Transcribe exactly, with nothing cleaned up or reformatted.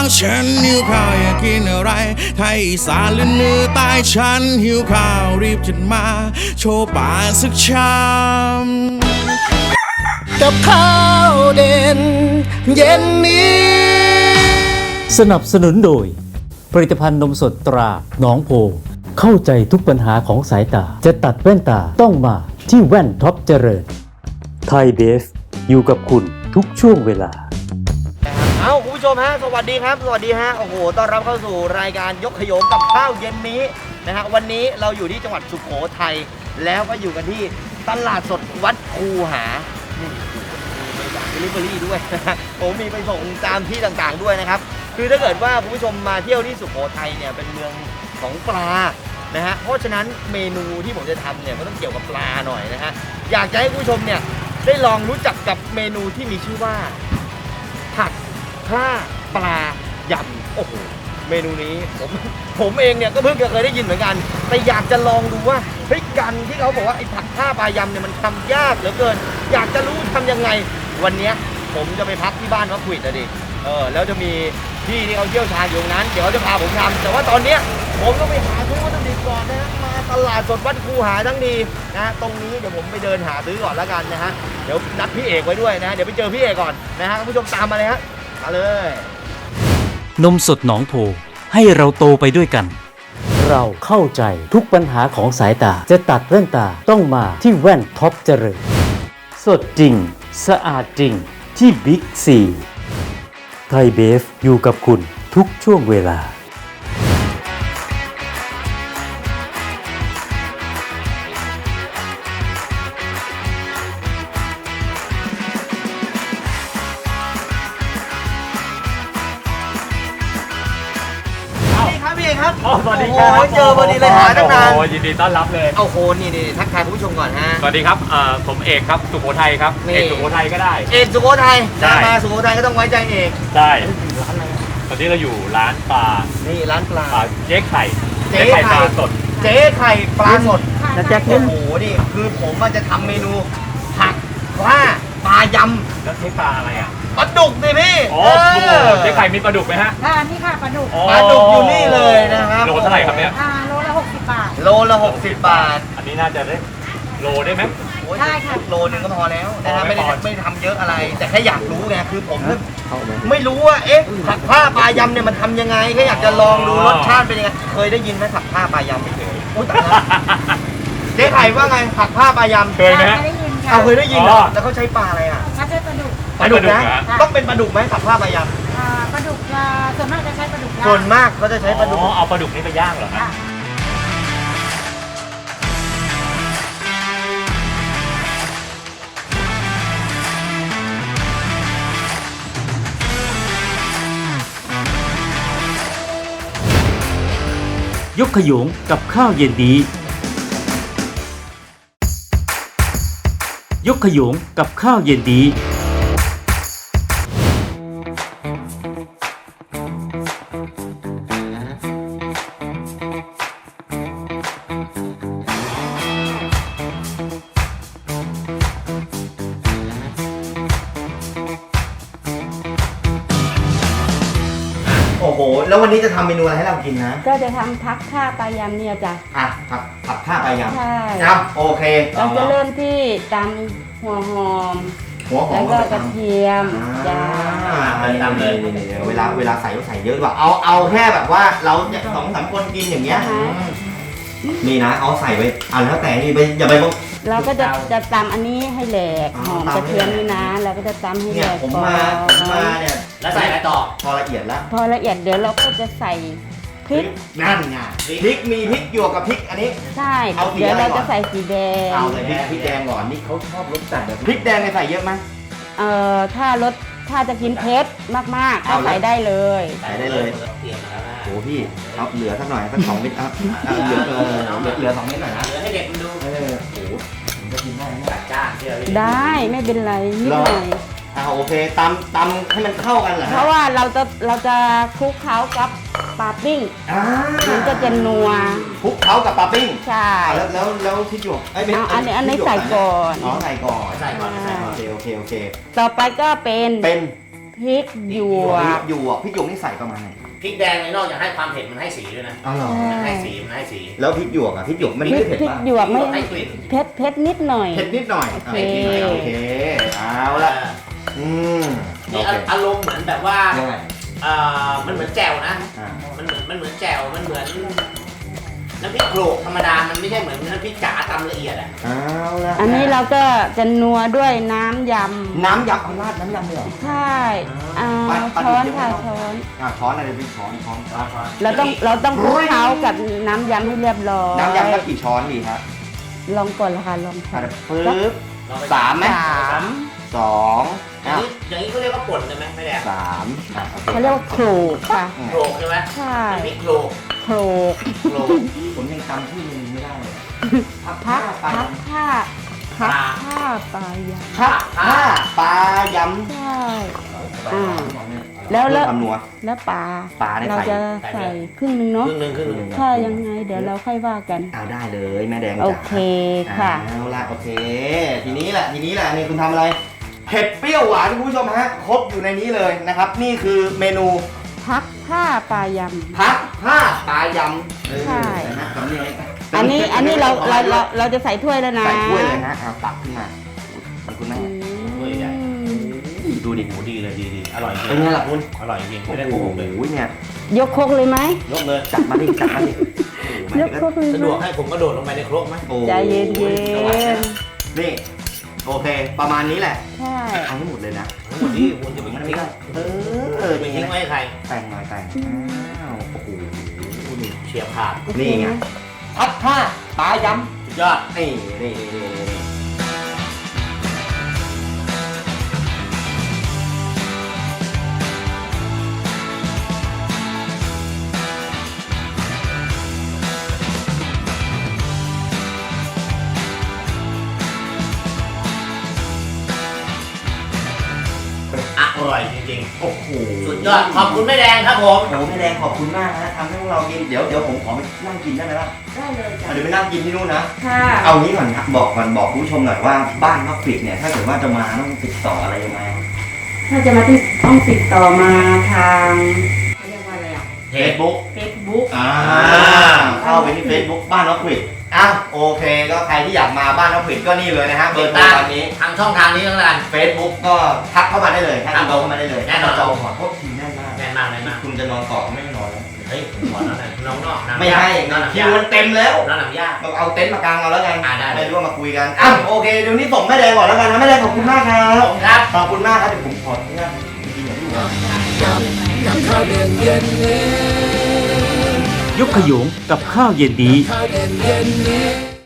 ฉันหิวข้าวอยากกินอะไรไทยอีสานหรือเหนือใต้ฉันหิวข้าวรีบจัดมาโชว์ป่ากสักชามกับข้าวเด่นเย็นนี้สนับสนุนโดยผลิตภัณฑ์นมสดตราหนองโพเข้าใจทุกปัญหาของสายตาจะตัดแว่นตาต้องมาที่แว่นท็อปเจริญไทยเบฟอยู่กับคุณทุกช่วงเวลาเอาคุณผู้ชมฮะสวัสดีครับสวัสดีฮะโอ้โหต้อนรับเข้าสู่รายการยกขยงกับข้าวเย็นนี้นะฮะวันนี้เราอยู่ที่จังหวัดสุโขทัยแล้วก็อยู่กันที่ตลาดสดวัดคูหานี่มีบริการเดลิเวอรี่ด้วยนะฮะผมมีไปส่งตามที่ต่างๆด้วยนะครับคือถ้าเกิดว่าคุณผู้ชมมาเที่ยวที่สุโขทัยเนี่ยเป็นเมืองของปลานะฮะเพราะฉะนั้นเมนูที่ผมจะทำเนี่ยก็ต้องเกี่ยวกับปลาหน่อยนะฮะอยากจะให้คุณผู้ชมเนี่ยได้ลองรู้จักกับเมนูที่มีชื่อว่าผัดผ้าปลายำโอ้โหเมนูนี้ผมผมเองเนี่ยก็เพิ่งจะเคยได้ยินเหมือนกันแต่อยากจะลองดูว่าเฮ้ยกันที่เขาบอกว่าไอ้ผัดผ้าปลายำเนี่ยมันทำยากเหลือเกินอยากจะรู้ทำยังไงวันนี้ผมจะไปพักที่บ้านวัดขวิดนะดิเออแล้วจะมีพี่ที่เขาเชี่ยวชาญอยู่นั้นเดี๋ยวเขาจะพาผมทำแต่ว่าตอนเนี้ยผมต้องไปหาซื้อวัตถุดิบก่อนนะฮะมาตลาดสดวัดคูหาทั้งดีนะตรงนี้เดี๋ยวผมไปเดินหาซื้อก่อนแล้วกันนะฮะเดี๋ยวนัดพี่เอกไว้ด้วยนะเดี๋ยวไปเจอพี่เอกก่อนนะฮะคุณผู้ชมตามมาเลยฮะมาเลยนมสดหนองโพให้เราโตไปด้วยกันเราเข้าใจทุกปัญหาของสายตาจะตัดแว่นตาต้องมาที่แว่นท็อปเจริญสดจริงสะอาดจริงที่บิ๊กซีไทยเบฟอยู่กับคุณทุกช่วงเวลาครับสวัสดีครับโอ้เจอพอดีเลยหาตั้งนานโอ้ยินดีต้อนรับเลยโอ้โหนี่นี่ทักทายคุณผู้ชมก่อนฮะสวัสดีครับผมเอกครับสุโขทัยครับเอกสุโขทัยก็ได้เอกสุโขทัยมาสุโขทัยก็ต้องไว้ใจเอกใช่ร้านอะไรตอนนี้เราอยู่ร้านปลานี่ร้านปลาเจ๊ไข่เจ๊ไข่ปลาสดเจ๊ไข่ปลาสดนะแจ๊คโอ้โหนี่คือผมมันจะทำเมนูผักว่าปลายำแล้วใช้ปลาอะไรอ่ะปลาดุกสิพี่อ๋อเจ๊ไข่มีปลาดุกไหมฮะค่ะนี่ค่ะปลาดุกปลาดุกอยู่นี่เลยนะครับโลเท่าไหร่ครับเนี่ยโลละหกสิบบาทโลละหกสิบบาทอันนี้น่าจะได้โลได้ไหมได้ค่ะโลนึงก็พอแล้วนะครับไม่ได้ไม่ทำเยอะอะไรแต่แค่อยากรู้ไงคือผมไม่รู้ว่าเอ๊ะผัดผ้าปลายำเนี่ยมันทำยังไงแค่อยากจะลองดูรสชาติเป็นยังไงเคยได้ยินไหมผัดผ้าปลายำไม่เคยเจ๊ไข่ว่าไงผัดผ้าปลายำเคยไหมเอาเคยได้ยินเหรอแล้วเขาใช้ปลาอะไรอ่ะเขาใช้ปลาดุกปลาดุกนะต้องเป็นปลาดุกไหมผัดผ้าปลายำปลาดุกส่วนมากจะใช้ปลาดุกส่วนมากเขาจะใช้ปลาดุกอ๋อเอาปลาดุกนี่ไปย่างเหรอฮะยกขยงกับข้าวเย็นนี้ยกขยงกับข้าวเย็นนี้โอ้โหแล้ววันนี้จะทำเมนูอะไรให้เรากินนะก็จะทำผักข้าปลายำเนี่ยจ้ะอ่ะผัดผัดข้าปลายำใช่ครับโอเคเราจะเริ่มที่ตำหัวหอมหัวหอมแล้วก็กระเทียมจ้าตำเลยเวลาเวลาใส่ก็ใส่เยอะกว่าเอาเอาแค่แบบว่าเราสองสามคนกินอย่างเงี้ยนี่นะเอาใส่ไปเอาแล้วแต่นี่ไปอย่าไปเราก็จะจะตำอันนี้ให้แหลกหอมกระเทียมนี่นะเราก็จะตำให้แหลกผมมาผมมาเนี่ยแล้วใส่อะไรต่อพอละเอียดแล้วพอละเอียดเดี๋ยวเราก็จะใส่พริกนั่นไงพริกมีพริกหยวกกับพริกอันนี้ใช่เดี๋ยวเราจะใส่สีแดงเอาเลยพริกแดงก่อนนี่เขาชอบรสจัดแบบพริกแดงใส่เยอะไหมเอ่อถ้ารสถ้าจะกินเผ็ดมากๆเอาใส่ได้เลยใส่ได้เลยโอ้พี่เอาเหลือสักหน่อยสักสองเม็ดครับเหลือเออเหลือสองเม็ดหน่อยนะเหลือให้เด็กมันดูเออโอ้จะกินได้ไหมจ้าได้ไม่เป็นไรนิดหน่อยอ่าโอเคตำตำให้มันเข้ากันเหรอเพราะว่าเราจะเราจะคลุกเคล้ากับปลาปิ้งมันก็จะนัวคลุกเคล้ากับปลาปิ้งใช่แล้วแล้วแล้วพริกหยวกไอ้อันนี้อันนี้ใส่ก่อนอ๋อใส่ก่อนใส่ก่อนใส่ก่อนโอเคโอเคโอเคต่อไปก็เป็นเป็นพพริกหยวกหยวกพริกหยวกนี่ใส่ประมาณไหนพริกแดงในนอกจากให้ความเผ็ดมันให้สีด้วยนะอ๋อเหรอมันให้สีมันให้สีแล้วพริกหยวกอ่ะพริกหยวกมันพริไม่กเผ็ดพริกปะหยวกไม่ให้กลิ่นเผ็ดเผ็ดนิดหน่อยเผ็ดนิดหน่อยโอเคอ่ะโอเคเอาละอืมโอนี่เคอารมณ์เหมือนแบบว่ายังไงเอ่อมันเหมือนแจ่วนะอ่ามันเหมือนมันเหมือนแจ่วมันเหมือนน้ำพริกโขลกธรรมดา มันไม่ใช่เหมือนน้ำพริกจ๋าตำละเอียดอ่ะเอาละอันนี้เราก็จะนัวด้วยน้ำยน้ำยำเอาราดน้ำยำเลยเหรอำใช่อ่าไปไปช้อนเดี๋ยวค่ะไม่ต้องช้อนอ่ะช้อนอะไรเป็นช้อนช้อนช้อนช้อนเราต้องเราต้องคลุกเคล้ากับน้ำยำให้เรียบร้อยน้ำยำสักกี่ช้อนดีครับลองก่อนละค่ะลองอ่ะค่ะปึ๊บลองไปสามไหมสามสองอย่างอ่ะนี้อย่างนี้เขาเรียกว่าป่นใช่ไหมไม่แดงสามอ่ะโอเคเขาเรียกว่าโขลกค่ะอืมโขลกใช่ไหมใช่น้ำพริกโขลกโขลกโขลกผมยังจำที่มันไม่ได้เลยพักพักปลาพักผ้าพักผ้าปลายพักผ้าปลายำำใช่อ่าแล้วแล้วคำนัวแล้วปลาปลาได้ใส่เราจะใส่ครึ่งหนึงเนาะครึ่งหนึ่งครึ่งหนึ่งถ้ายังไงเดี๋ยวเราค่อยว่ากันเอาได้เลยแม่แดงจ๋าโอเคค่ะเอาละโอเค ทีนี้แหละทีนี้แหละนี่คุณทำอะไรเผ็ดเปรี้ยวหวานคุณผู้ชมฮะครบอยู่ในนี้เลยนะครับ นี่คือเมนูพักผ้าปลายพักผ้าปลายำเออใช่นะฮะสำเนียงำอันนี้อันนี้เราเราเราเราจะใส่ถ้วยแล้วนะใส่ถ้วยเลยนะเอาตักขึ้นมาขอบคุณแม่อืมดูดิหมูดีเลยดีดีอร่อยจริงเป็นไงล่ะคุณอร่อยจริงโอ้ไม่ได้โหโกหกเลยเนี่ยยกครกเลยไหมยกเลยจัดมาดิจัดมาดิยกครกเลยสะไหดมวกให้ผมกระโดดลงไปในครกไหมโอ้โหใจเย็นนี่โอเค ประมาณนี้แหละใช่เอาให้หมดเลยนะทั้งหมดที่คุณจะไปมันทิ้ไม่งได้เออไปเป็นไงทิ้งไว้ให้ใครแต่งหน่อยแต่งอ้าวโอ้โหนี่เฉียบขาดนี่ไงพัดผ้าปลายำสุดยอดนี่นี่นี่นี่นี่อร่อยจริงโอ้โหๆ สุดยอด ขอบคุณแม่แดงครับผมโอ้โหแม่แดงขอบคุณมากนะทำให้พวกเรากินเดี๋ยวเดี๋ยวผมขอไปนั่งกินได้ไหมล่ะได้เลยจ้ะเดี๋ยวไปนั่งกินที่นู่นนะค่ะเอางี้ก่อนครับบอกก่อนบอกคุณผู้ชมหน่อยว่าบ้านมะขวิดเนี่ยถ้าเกิดว่าจะมาต้องติดต่ออะไรยังไงถ้าจะมาที่ต้องติดต่อมาทางเขาเรียกว่าอะไรอ่ะเฟซบุ๊กเฟซบุ๊กอ่าเข้าไปที่ Facebook บ้านมะขวิดอ่ะโอเคก็ใครที่อยากมาบ้านมะขวิดก็นี่เลยนะฮะเบอร์โทรตอนนี้ทางช่องทางนี้ทั้งนั้น Facebook ก็ทักเข้ามาได้เลยทักอินบ็อกซ์เข้ามาได้เลยแน่นอนจองขอโทษทีแน่นมากแน่นมากแน่นมากคุณจะนอนต่อก็ไม่ได้นอนแล้วเฮ้ยผมขอแล้วนะน้องนอกน้ำไม่ให้น้ำหนักคิยาวมันเต็มแล้วน้ำหนักยากเราเอาเต็นท์มากางเอาแล้วกันอ่าได้ไม่รู้ว่ามาคุยกันอ่ะโอเคเดี๋ยวนี้ส่งแม่แดงก่อนแล้วกันนะแม่แดงขอบคุณมากครับผมครับขอบคุณมากครับเดี๋ยวผมขออนุญาตกินอย่างที่อยู่นะยกขยงกับข้าวเย็นนี้